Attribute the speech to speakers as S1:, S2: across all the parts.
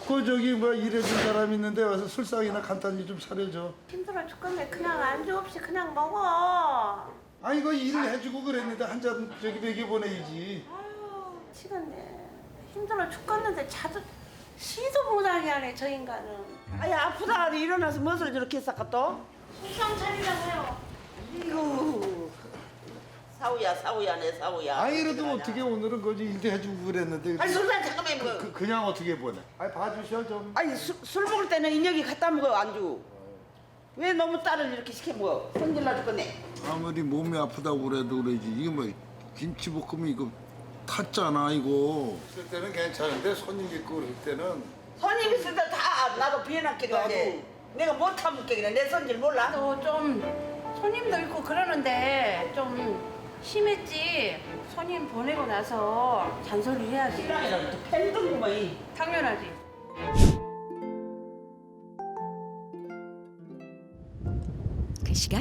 S1: 그 저기 뭐 일해준 사람 있는데 와서 술상이나 간단히 좀 차려줘.
S2: 힘들어 죽겠네. 그냥 안주 없이 그냥 먹어.
S1: 아니 이거 일을 해주고 그랬는데 한 잔 저기 먹여보내야지.
S2: 아유, 미치겠네. 힘들어 죽겠는데 자도 시도 못하게 하네 저 인간은.
S3: 아니 아프다 일어나서 무엇을 저렇게 쌌까 또?
S2: 술상 차리라고요.
S3: 이거 사우야 내 사우야.
S1: 아니 이래도 어떻게 오늘은 거지 일도 해주고 그랬는데.
S3: 아니 술만 잠깐만 먹어.
S1: 그냥 어떻게 보내? 아니 봐주셔 좀.
S3: 아니 술 먹을 때는 인혁이 갖다 먹어 안주. 왜 너무 딸을 이렇게 시켜 먹어? 성질나 죽겠네.
S1: 아무리 몸이 아프다고 그래도 그러지. 이게 뭐 김치볶음 이거 탔잖아 이거. 있을 때는 괜찮은데 손님 있고 그럴 때는.
S3: 손님 있을 때 다 나도 비해놨게 가지. 내가 못 참게 그래. 내 손질 몰라?
S2: 또 좀 손님도 있고 그러는데 좀 심했지. 손님 보내고 나서 잔소리 해야지.
S3: 신랑이랑 또 팬등구만.
S2: 당연하지.
S4: 그 시각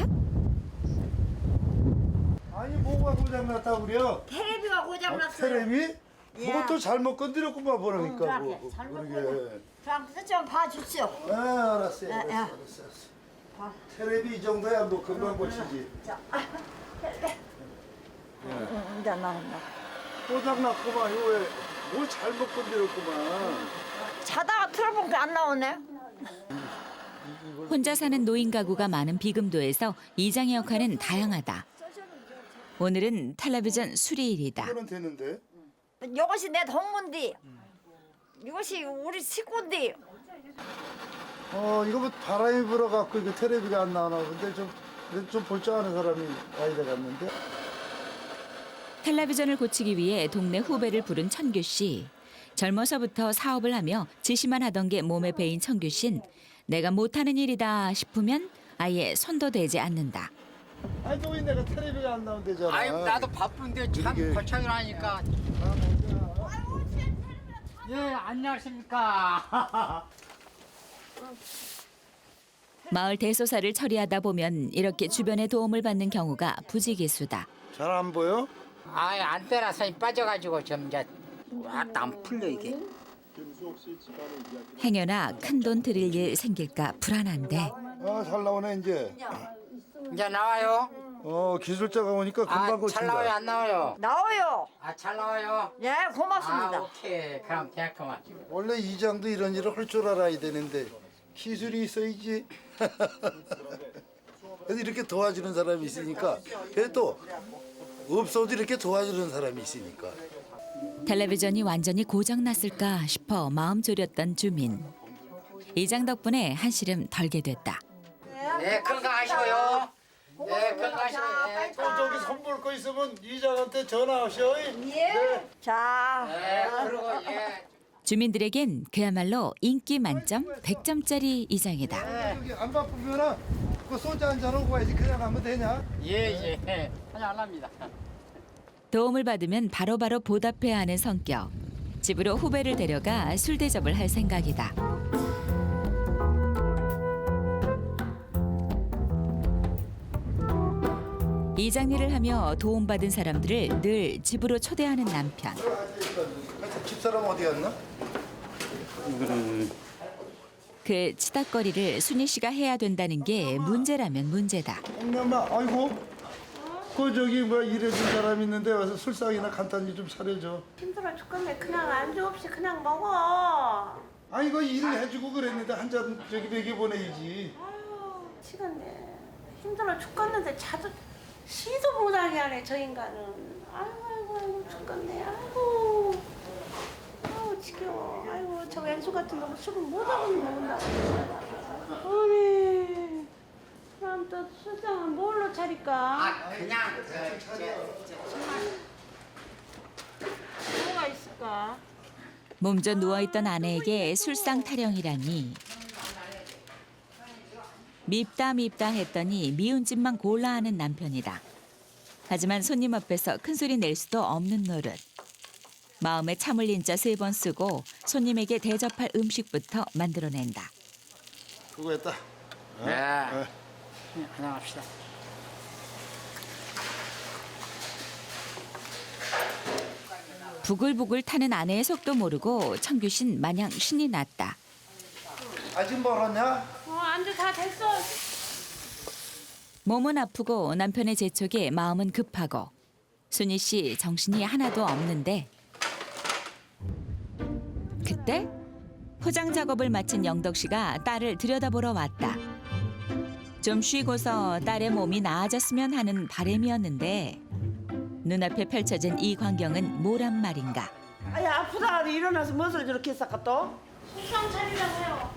S1: 아니 뭐가 고장났다 그래요?
S2: 테레비가 고장났어요.
S1: 테레비?
S2: 예.
S1: 그것도 잘못 건드렸구만 보니까.
S2: 그러게, 잘못
S1: 그러게.
S2: 그럼 좀 봐주시오.
S1: 아 알았어요.
S2: 야, 야.
S1: 알았어. 테레비 이 정도야 뭐 금방 고치지.
S2: 이제 나온다.
S1: 고장났구만 이거 왜뭘 잘못 건드렸구만.
S2: 자다가 틀어보니까 안 나오네.
S4: 혼자 사는 노인 가구가 많은 비금도에서 이장의 역할은 다양하다. 오늘은 텔레비전 수리일이다.
S1: 이거는 되는데.
S2: 이것이 내 동문디. 이것이 우리 식구인데.
S1: 이거 뭐 바람이 불어갖고 이거 테레비가 안 나오나 근데 좀 볼 줄 아는 사람이 와야 되겠는데.
S4: 텔레비전을 고치기 위해 동네 후배를 부른 천규 씨. 젊어서부터 사업을 하며 지시만 하던 게 몸에 배인 천규 씨는 내가 못하는 일이다 싶으면 아예 손도 대지 않는다.
S1: 아니 또 왜 내가 테레비가 안 나온대잖아.
S5: 아이 나도 바쁜데 참
S1: 이게-
S5: 거창을 하니까. 예 안녕하십니까.
S4: 마을 대소사를 처리하다 보면 이렇게 주변의 도움을 받는 경우가 부지기수다.
S1: 잘 안 보여?
S5: 아이 안테나선이 빠져가지고 좀 이제 왔다 안 풀려 이게.
S4: 행여나 큰돈 들일 일 생길까 불안한데
S1: 잘 나오네 이제.
S5: 이제 나와요.
S1: 기술자가 오니까 금방 고친다.
S5: 잘 나와요 안 나와요.
S2: 나와요.
S5: 잘 나와요.
S2: 예, 고맙습니다.
S5: 오케이 그럼 됐구만.
S1: 원래 이장도 이런 일을 할 줄 알아야 되는데 기술이 있어야지. 그래서 이렇게 도와주는 사람이 있으니까 그래도 없어도 이렇게 도와주는 사람이 있으니까.
S4: 텔레비전이 완전히 고장났을까 싶어 마음 졸였던 주민. 이장 덕분에 한시름 덜게 됐다.
S5: 네 건강하시고요. 네 건강하시고요. 네.
S1: 또 저기 선물 거 있으면 이장한테 전화하셔.
S2: 예. 자.
S5: 네 그리고 예.
S4: 주민들에겐 그야말로 인기 만점 100점짜리 이장이다.
S1: 여기 안 바쁘면은 그 소주 한잔 하고 가야지. 그냥 가면 되냐?
S5: 예. 그냥 안 합니다.
S4: 도움을 받으면 바로바로 보답해야 하는 성격. 집으로 후배를 데려가 술 대접을 할 생각이다. 이장 일을 하며 도움받은 사람들을 늘 집으로 초대하는 남편.
S1: 집사람 어디 갔나?
S4: 그 치닥거리를 순희 씨가 해야 된다는 게 문제라면 문제다.
S1: 엄마, 아이고. 그 저기 뭐 일해준 사람 있는데 와서 술상이나 간단히 좀 차려줘.
S2: 힘들어 죽겠네. 그냥 안주 없이 그냥 먹어.
S1: 아니 이거 일을 해주고 그랬는데 한 잔 저기 먹여보내야지.
S2: 아유, 미치겠네. 힘들어 죽겠는데 자도 시도 못하게 하네 저 인간은. 아이고 죽겠네. 아이고. 아우 지겨워. 아이고 저 왼수 같은 놈은 술을 못하고 먹는다. 아니. 그럼 또 술상은 뭘로 차릴까?
S5: 그냥
S2: 뭐가 있을까?
S4: 몸져 누워있던 아내에게 술상 타령이라니. 밉다 했더니 미운 짓만 골라 하는 남편이다. 하지만 손님 앞에서 큰소리 낼 수도 없는 노릇. 마음에 참을 인자 3번 쓰고 손님에게 대접할 음식부터 만들어낸다.
S1: 수고했다.
S5: 네. 그냥 합시다.
S4: 부글부글 타는 아내의 속도 모르고 청규 씨는 마냥 신이 났다.
S1: 아직 멀었냐?
S2: 안주 다 됐어.
S4: 몸은 아프고 남편의 재촉에 마음은 급하고 순희 씨 정신이 하나도 없는데 그때 포장 작업을 마친 영덕 씨가 딸을 들여다보러 왔다. 좀 쉬고서 딸의 몸이 나아졌으면 하는 바람이었는데 눈앞에 펼쳐진 이 광경은 뭐란 말인가.
S3: 아이 아프다 일어나서 무엇을 저렇게 했을까 또?
S2: 속상 차리라고요.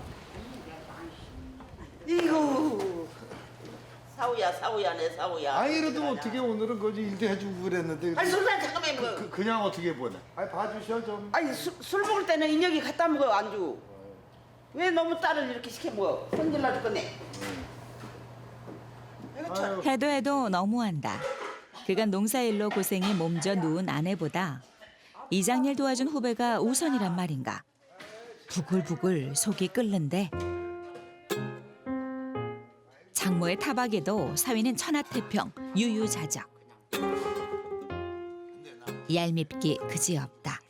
S3: 이거 사우야 내 사우야.
S1: 아니 이래도 어떻게 오늘은 거기 일도 해주고 그랬는데
S3: 아니 술잔 잠깐만 뭐.
S1: 그냥 어떻게 보내? 아니 봐주셔 좀.
S3: 아니 술 먹을 때는 인혁이 갖다 먹어 안주. 왜 너무 딸을 이렇게 시켜 먹어? 손질나 죽겠네. 이거 참.
S4: 해도 너무한다. 그간 농사일로 고생해 몸져 누운 아내보다 이장일 도와준 후배가 우선이란 말인가. 부글부글 속이 끓는데 장모의 타박에도 사위는 천하태평 유유자적. 얄밉기 그지없다.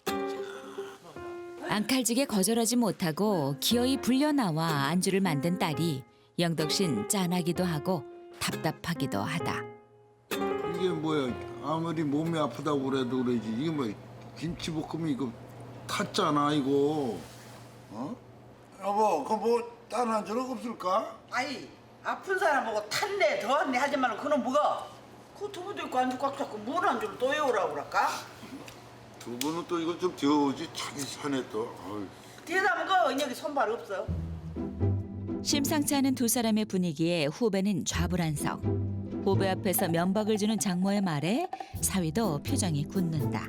S4: 앙칼지게 거절하지 못하고 기어이 불려나와 안주를 만든 딸이 영덕신 짠하기도 하고 답답하기도 하다.
S1: 이게 뭐야? 아무리 몸이 아프다고 그래도 그러지. 이게 뭐 김치볶음이 이거 탔잖아 이거. 어? 여보, 그 뭐 다른 안주는 없을까?
S3: 아이 아픈 사람 보고 탄네 더한네 하지 말고 그놈 뭐가? 그 두부도 있고 안주 꽉 잡고 뭘 안주를 또 해오라고 그럴까?
S1: 두 분은 또 이거 좀 데워오지 자기 산에 또. 어이.
S3: 뒤에다 먹어 인혁이 손발 없어.
S4: 심상치 않은 두 사람의 분위기에 후배는 좌불안석. 후배 앞에서 면박을 주는 장모의 말에 사위도 표정이 굳는다.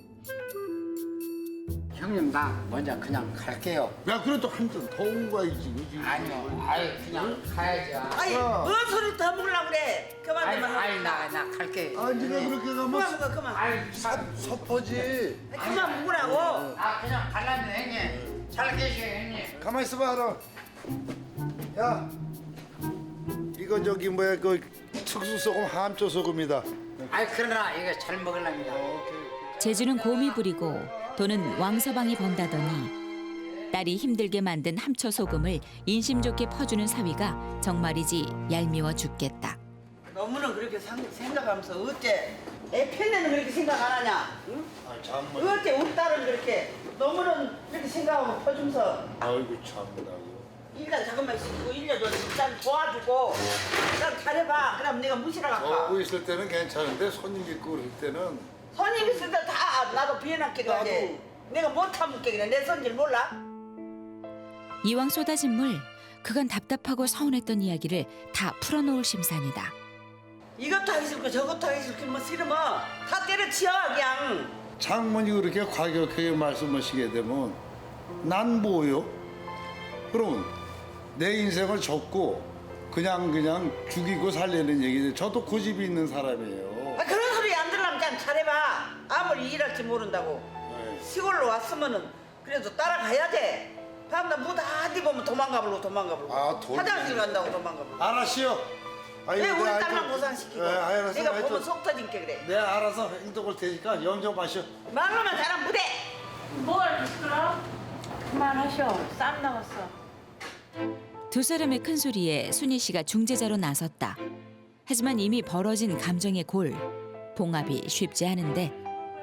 S5: 형님 나 먼저 그냥 갈게요.
S1: 야, 그래도 한 잔 더 온 거야지, 그지?
S5: 아니요, 아이 그냥 가야죠.
S3: 아이 뭔 소리 더 먹으려고 그래? 그만
S5: 아이,
S3: 그만.
S5: 아이 나 갈게.
S1: 아, 네가 그렇게
S3: 그만
S1: 가면
S3: 먹어 그만.
S5: 아이
S1: 섭하지.
S3: 그만 먹으라고.
S5: 아 그냥 갈라면 형님. 잘 계셔 형님.
S1: 가만 있어봐, 알아. 야, 이거 저기 뭐야 그 특수 소금 함초 소금이다.
S5: 아이 그러나 이거 잘 먹으랍니다.
S4: 재주는 곰이 부리고 돈은 왕서방이 번다더니 딸이 힘들게 만든 함초 소금을 인심 좋게 퍼주는 사위가 정말이지 얄미워 죽겠다.
S3: 너무는 그렇게 생각하면서 어째 애 편에는 그렇게 생각 안 하냐? 응?
S1: 아, 참나.
S3: 어째 우리 딸은 그렇게 너무는 그렇게 생각하고 퍼주면서
S1: 아이고 참나.
S3: 일단 잠깐만 씻고 일려줘 일단 도와주고 일단 잘해봐. 그럼 내가 무시러 갈까?
S1: 먹고 있을 때는 괜찮은데 손님 있고 그럴 때는
S3: 손님 있을 때 다 나도 비해놨게 그래. 내가 못하면 그래. 내 손질 몰라?
S4: 이왕 쏟아진 물, 그간 답답하고 서운했던 이야기를 다 풀어놓을 심산이다.
S3: 이것도 하기 싫고 저것도 하기 싫고 뭐 싫으면 다 때려치워 그냥.
S1: 장모님 그렇게 과격하게 말씀하시게 되면 난 뭐요? 그러면 내 인생을 접고 그냥 죽이고 살려는 얘기죠. 저도 고집이 있는 사람이에요.
S3: 아, 그런 소리 안 들으려면 그냥 잘해봐. 아무리 일할지 모른다고.
S1: 네.
S3: 시골로 왔으면은 그래도 따라가야 돼. 밤낮 뭐다 뒤보면 도망가버리고
S1: 아, 돌리네.
S3: 화장실 간다고 도망가버리고.
S1: 알았시요. 아니,
S3: 왜 우리
S1: 내가
S3: 딸만
S1: 하여튼-
S3: 고생시키고
S1: 네, 알았어.
S3: 내가
S1: 하여튼
S3: 보면 속 터진 게 그래.
S1: 내가 알아서 행동할 테니까 염려 마셔.
S3: 말로만 잘하면 못해.
S2: 뭘 그럼? 그만하셔. 쌈 나갔어.
S4: 두 사람의 큰 소리에 순희 씨가 중재자로 나섰다. 하지만 이미 벌어진 감정의 골, 봉합이 쉽지 않은데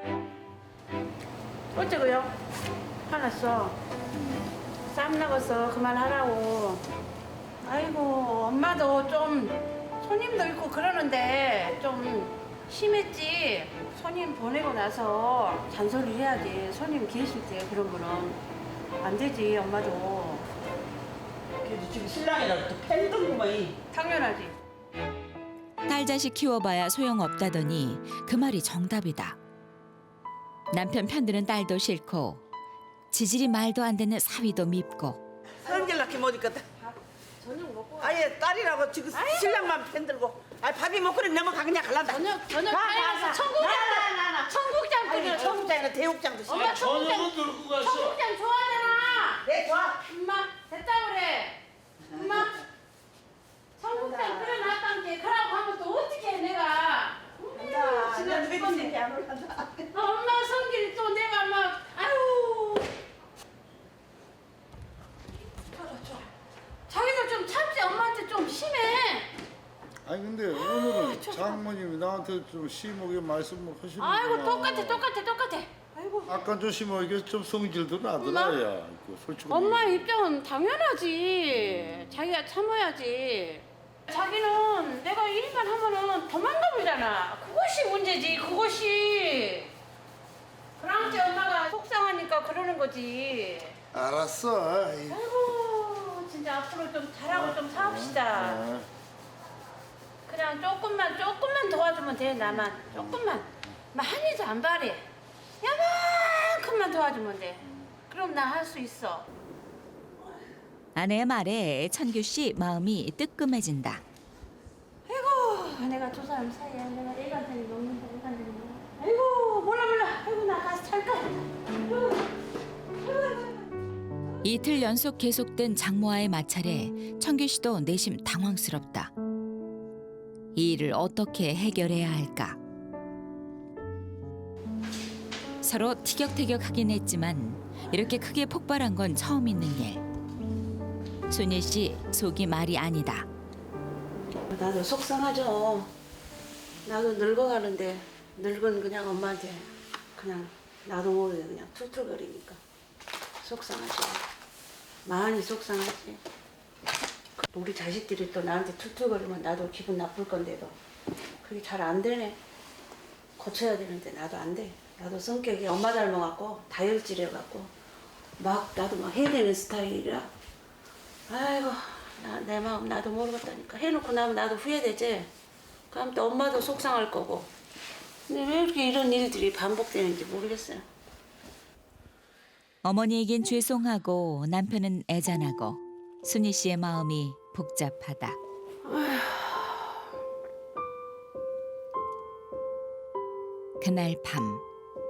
S2: 어쩌고요? 화났어. 쌈 나갔어. 그만하라고. 아이고 엄마도 좀 손님도 있고 그러는데 좀 심했지. 손님 보내고 나서 잔소리 해야지. 손님 계실 때 그런 거는 안 되지. 엄마도
S3: 그래도 지금 신랑이라고 또 팬등구만.
S2: 당연하지.
S4: 딸 자식 키워봐야 소용없다더니 그 말이 정답이다. 남편 편드는 딸도 싫고 지질이 말도 안 되는 사위도 밉고
S3: 성질 낳게 못 있겠다.
S2: 저녁 먹고
S3: 아예 딸이라고 지금 신랑만 팬들고. 아 밥이 먹고 넘어가 그냥 갈란다.
S2: 저녁 가서 청국장 청국장 끓여.
S3: 청국장이나 대육장도 싫어.
S2: 엄마 청국장
S1: 들고 갔어.
S2: 청국장 좋아하잖아.
S3: 네 좋아.
S2: 엄마 됐다 그래. 엄마 청국장 끓여놨단 게 그러고 하면 또 어떻게 해 내가.
S3: 지난 왜 이렇게 안 올란다.
S2: 엄마 성질이 또 내가 좀 심해.
S1: 아니 근데 오늘은 장모님이 나한테 좀 심하게 말씀을 하시는
S2: 아이고 똑같아. 아이고.
S1: 아까 좀 심하게 좀 성질도 나더라.
S2: 엄마?
S1: 야, 솔직히.
S2: 엄마의 입장은 당연하지. 자기가 참아야지. 자기는 내가 일만 하면은 도망가 버리잖아. 그것이 문제지. 그것이. 그러니까 엄마가 속상하니까 그러는 거지.
S1: 알았어.
S2: 아이고 진짜 앞으로 좀 잘하고 좀 사옵시다. 그냥 조금만 도와주면 돼. 나만 조금만. 많이도 안 바래. 야만큼만 도와주면 돼. 그럼 나 할 수 있어.
S4: 아내의 말에 천규 씨 마음이 뜨끔해진다.
S2: 아이고 내가 두 사람 사이에 내가 애한테 먹는다 애한테 먹는다. 아이고 몰라. 아이고 나 가서 잘까.
S4: 이틀 연속 계속된 장모와의 마찰에 천규 씨도 내심 당황스럽다. 이 일을 어떻게 해결해야 할까? 서로 티격태격하긴 했지만 이렇게 크게 폭발한 건 처음 있는 일. 순일 씨 속이 말이 아니다.
S2: 나도 속상하죠. 나도 늙어가는데 늙은 그냥 엄마한테 그냥 나도 모르게 그냥 툴툴거리니까 속상하지. 많이 속상하지. 우리 자식들이 또 나한테 툴툴거리면 나도 기분 나쁠 건데도 그게 잘 안 되네. 고쳐야 되는데 나도 안 돼. 나도 성격이 엄마 닮아갖고 다혈질해갖고 나도 막 해야 되는 스타일이라. 아이고 내 마음 나도 모르겠다니까. 해놓고 나면 나도 후회되지. 그럼 또 엄마도 속상할 거고. 근데 왜 이렇게 이런 일들이 반복되는지 모르겠어요.
S4: 어머니에겐 죄송하고 남편은 애잔하고 순희 씨의 마음이 복잡하다. 그날 밤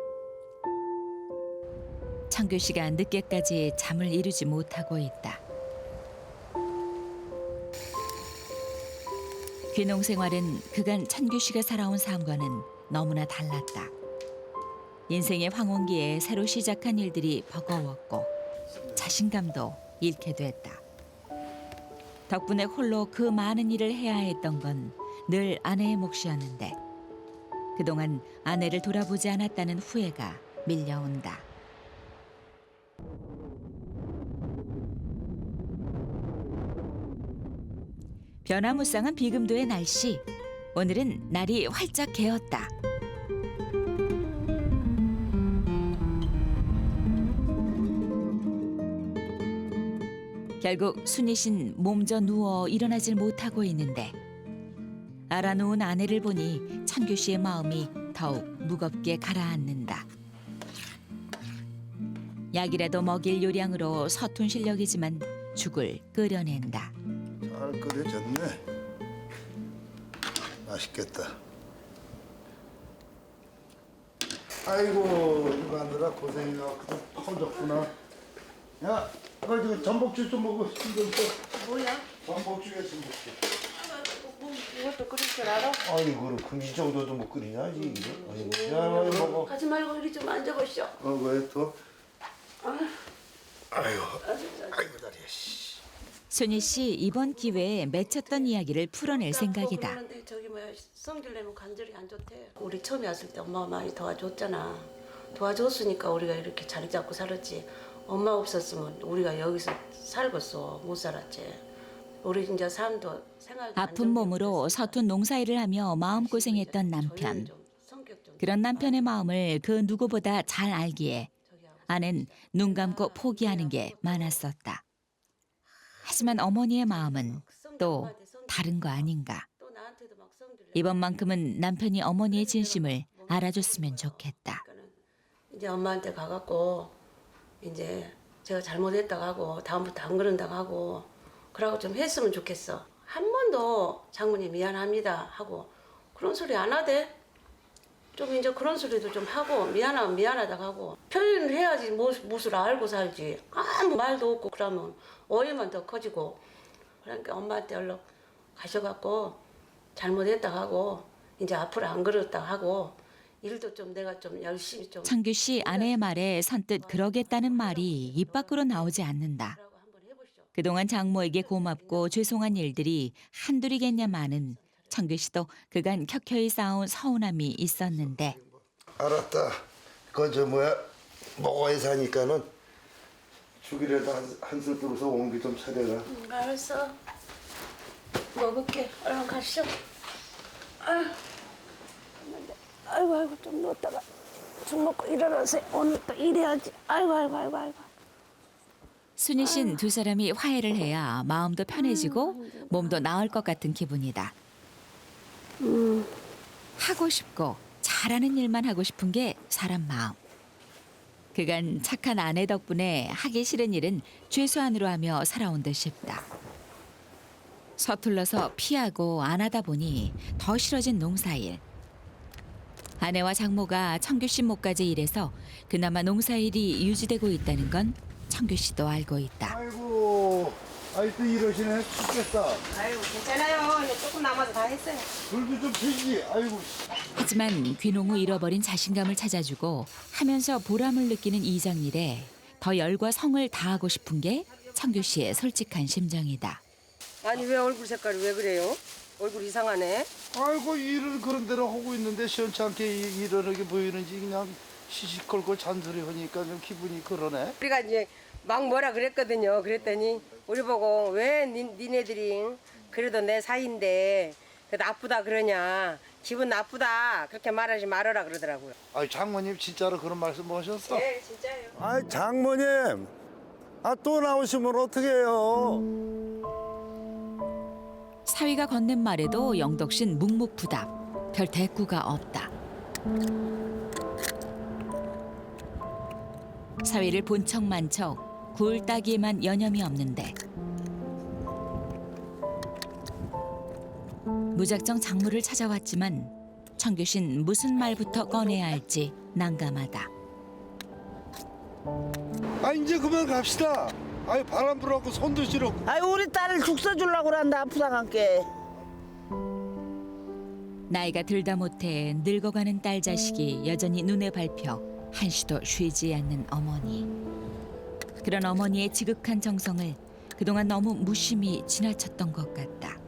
S4: 천규 씨가 늦게까지 잠을 이루지 못하고 있다. 귀농 생활은 그간 천규 씨가 살아온 삶과는 너무나 달랐다. 인생의 황혼기에 새로 시작한 일들이 버거웠고 자신감도 잃게 됐다. 덕분에 홀로 그 많은 일을 해야 했던 건 늘 아내의 몫이었는데 그동안 아내를 돌아보지 않았다는 후회가 밀려온다. 변화무쌍한 비금도의 날씨. 오늘은 날이 활짝 개었다. 결국 순희 씨는 몸져 누워 일어나질 못하고 있는데 알아놓은 아내를 보니 천규 씨의 마음이 더욱 무겁게 가라앉는다. 약이라도 먹일 요량으로 서툰 실력이지만 죽을 끓여낸다.
S1: 잘 끓여졌네. 맛있겠다. 아이고 이거 하느라 고생해갖고 커졌구나. 야, 그 전복죽 좀 먹어.
S2: 뭐야?
S1: 전복죽에 전복죽.
S2: 이것도 끓일 줄 알아?
S1: 아이고 그럼 이 정도도 못 끓이냐지 이거. 아이고 야 이거 먹어.
S2: 가지 말고 이리 좀 앉아보시오.
S1: 왜 또? 아이고 다리야.
S4: 순희 씨 이번 기회에 맺혔던 이야기를 풀어낼 생각이다.
S2: 그런데 저기 뭐야 성질 내면 관절이 안 좋대. 우리 처음에 왔을 때 엄마가 많이 도와줬잖아. 도와줬으니까 우리가 이렇게 자리 잡고 살았지. 엄마 없었으면 우리가 여기서 살겠어. 못 살았지. 우리 이제 삶도 생활도
S4: 아픈 몸으로 서툰 농사일을 하며 마음고생했던 남편. 그런 남편의 마음을 그 누구보다 잘 알기에 아내는 눈 감고 포기하는 게 많았었다. 하지만 어머니의 마음은 또 다른 거 아닌가. 이번만큼은 남편이 어머니의 진심을 알아줬으면 좋겠다.
S2: 이제 엄마한테 가갖고 이제 제가 잘못했다고 하고 다음부터 안 그런다고 하고 그러고 좀 했으면 좋겠어. 한 번도 장모님 미안합니다 하고 그런 소리 안 하대. 좀 이제 그런 소리도 좀 하고 미안하면 미안하다고 하고 표현을 해야지 무엇을 알고 살지. 아무 말도 없고 그러면 오해만 더 커지고. 그러니까 엄마한테 얼른 가셔갖고 잘못했다고 하고 이제 앞으로 안 그랬다고 하고 일도 좀 내가 좀 열심히 좀.
S4: 창규 씨 아내의 말에 선뜻 그러겠다는 말이 입 밖으로 나오지 않는다. 그동안 장모에게 고맙고 죄송한 일들이 한둘이겠냐마는 청규 씨도 그간 켜켜이 쌓아온 서운함이 있었는데
S1: 알았다. 그건 저 뭐야 먹어야 사니까는 죽이라도 한술 뜨고서 온기 좀 차려라.
S2: 알았어. 먹을게. 얼른 가시죠. 아유, 아이고 좀 누웠다가 죽 먹고 일어나세요. 오늘 또 일해야지. 아이고.
S4: 순이 씨는 두 사람이 화해를 해야 마음도 편해지고 몸도 나을 것 같은 기분이다. 하고 싶고 잘하는 일만 하고 싶은 게 사람 마음. 그간 착한 아내 덕분에 하기 싫은 일은 최소한으로 하며 살아온 듯 싶다. 서툴러서 피하고 안 하다 보니 더 싫어진 농사일. 아내와 장모가 청규 씨 목까지 일해서 그나마 농사일이 유지되고 있다는 건 청규 씨도 알고 있다.
S1: 아이고, 또 이러시네. 죽겠다.
S2: 아이고 괜찮아요. 이제 조금 남아서 다 했어요.
S1: 불도 좀 펴지. 아이고.
S4: 하지만 귀농 후 잃어버린 자신감을 찾아주고 하면서 보람을 느끼는 이장일에 더 열과 성을 다하고 싶은 게 청규 씨의 솔직한 심정이다.
S6: 아니 왜 얼굴 색깔이 왜 그래요? 얼굴 이상하네.
S1: 아이고 일을 그런 대로 하고 있는데 시원찮게 일하게 보이는지 그냥 시시콜콜 잔소리 하니까 좀 기분이 그러네.
S6: 우리가 이제 막 뭐라 그랬거든요. 그랬더니 우리 보고 왜 니네들이 그래도 내 사이인데 나쁘다 그러냐. 기분 나쁘다 그렇게 말하지 말아라 그러더라고요.
S1: 아 장모님 진짜로 그런 말씀 하셨어?
S6: 네 진짜예요.
S1: 아 장모님, 또 나오시면 어떡해요?
S4: 사위가 건넨 말에도 영덕신 묵묵부답. 별 대꾸가 없다. 사위를 본 척만 척 굴 따기에만 여념이 없는데 무작정 장모를 찾아왔지만 청규신 무슨 말부터 꺼내야 할지 난감하다.
S1: 이제 그만 갑시다. 바람 불어갖고 손도 시려.
S3: 우리 딸을 죽 써주려고 그런다 아프다 함께.
S4: 나이가 들다 못해 늙어가는 딸 자식이 여전히 눈에 밟혀 한시도 쉬지 않는 어머니. 그런 어머니의 지극한 정성을 그동안 너무 무심히 지나쳤던 것 같다.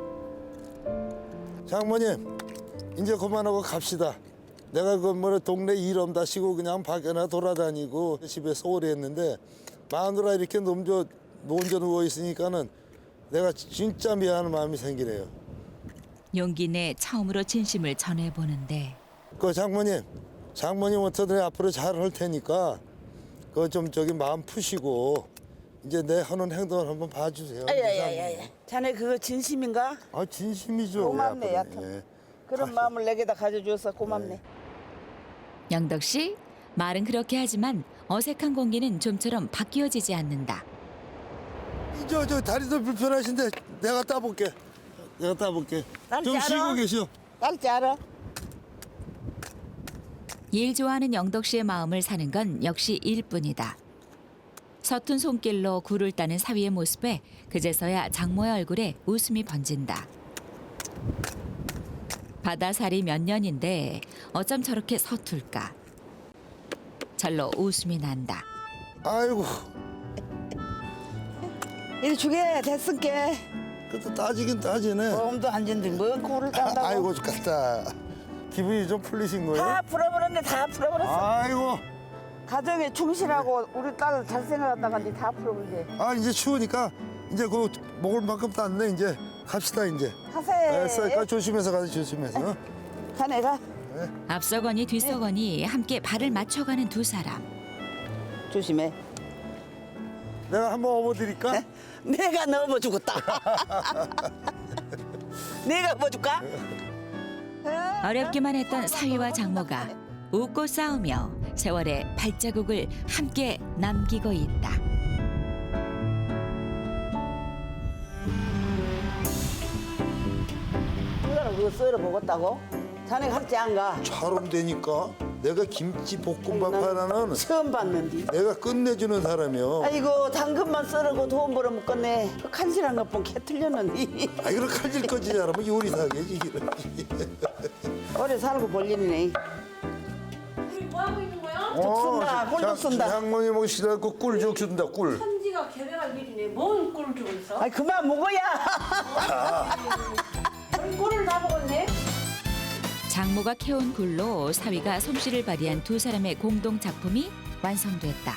S1: 장모님, 이제 그만하고 갑시다. 내가 동네 일 없다시고 그냥 밖에나 돌아다니고 집에서 오래 했는데 마누라 이렇게 혼자 누워 있으니까는 내가 진짜 미안한 마음이 생기네요.
S4: 용기 내 처음으로 진심을 전해보는데
S1: 장모님 어떻게 앞으로 잘 할 테니까 좀 마음 푸시고 이제 내 하는 행동을 한번 봐주세요.
S3: 야야야야. 자네 그거 진심인가?
S1: 진심이죠.
S3: 고맙네,
S1: 예,
S3: 얕은.
S1: 예.
S3: 그런 마음을 내게다 가져줘서 고맙네.
S4: 영덕 씨 말은 그렇게 하지만 어색한 공기는 좀처럼 바뀌어지지 않는다.
S1: 저 다리도 불편하신데 내가 따볼게.
S3: 딸지
S1: 좀 쉬고
S3: 알아?
S1: 계시오.
S3: 딸지 알아?
S4: 일 좋아하는 영덕 씨의 마음을 사는 건 역시 일뿐이다. 서툰 손길로 굴을 따는 사위의 모습에 그제서야 장모의 얼굴에 웃음이 번진다. 바다살이 몇 년인데 어쩜 저렇게 서툴까. 절로 웃음이 난다.
S1: 아이고,
S3: 이리 주게 됐을게.
S1: 그래도 따지긴 따지네.
S3: 몸도 안 진데 뭔 코를 딴다고.
S1: 아이고 죽겠다. 기분이 좀 풀리신 거예요?
S3: 다 풀어버렸네 다 풀어버렸어.
S1: 아이고,
S3: 가정에 충실하고 우리 딸 잘 생각했다가 이제 다 풀어버리지.
S1: 이제 추우니까 이제 먹을 만큼 땄네. 이제 갑시다 이제.
S3: 하세.
S1: 조심해서 가자 조심해서.
S3: 자네가
S4: 앞서거니 뒤서거니 함께 발을 맞춰가는 두 사람.
S3: 조심해.
S1: 내가 한번 업어드릴까?
S3: 내가 넣어 주겠다. 내가 업어줄까?
S4: 어렵기만 했던 사위와 장모가 웃고 싸우며 세월의 발자국을 함께 남기고 있다.
S3: 이거는 그거 썰어 먹었다고? 자네 같지 안 가?
S1: 처럼 되니까 내가 김치 볶음밥 하나는
S3: 처음 봤는데.
S1: 내가 끝내주는 사람이요.
S3: 아이고 당근만 썰고 돈 벌어 먹겠네. 그 간실한 것뿐 개 틀렸는데.
S1: 이거 칼질 거지 잘하면 요리사겠지.
S3: 오래 살고 볼 일이네.
S2: 뭐 하고 있는 거야?
S3: 쑥 쓴다, 꿀죽 쓴다.
S1: 장모님 오시라고 꿀죽 준다 꿀.
S2: 편지가 자기가 개백할 일이네. 뭔 꿀을 주고 있어?
S3: 아이 그만 먹어야.
S2: 별 꿀을 다 먹었네.
S4: 장모가 캐온 굴로 사위가 솜씨를 발휘한 두 사람의 공동 작품이 완성됐다.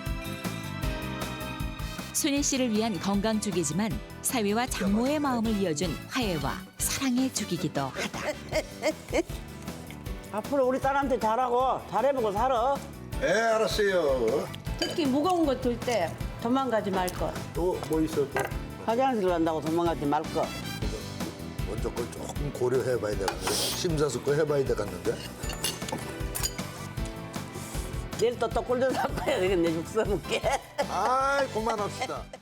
S4: 순희 씨를 위한 건강죽이지만 사위와 장모의 마음을 이어준 화해와 사랑의 죽이기도 하다.
S3: 앞으로 우리 딸한테 잘하고 잘해보고 살아.
S1: 알았어요.
S2: 특히 무거운 거 들 때 도망가지 말 것.
S1: 또 뭐 있어 또?
S3: 화장실 간다고 도망가지 말거.
S7: 먼저 걸 조금 고려해봐야 되겠는데 심사숙고 해봐야 되겠는데
S3: 내일 또 꿀도 샀고 해야 되겠네. 육수 먹게.
S7: 아이 그만합시다.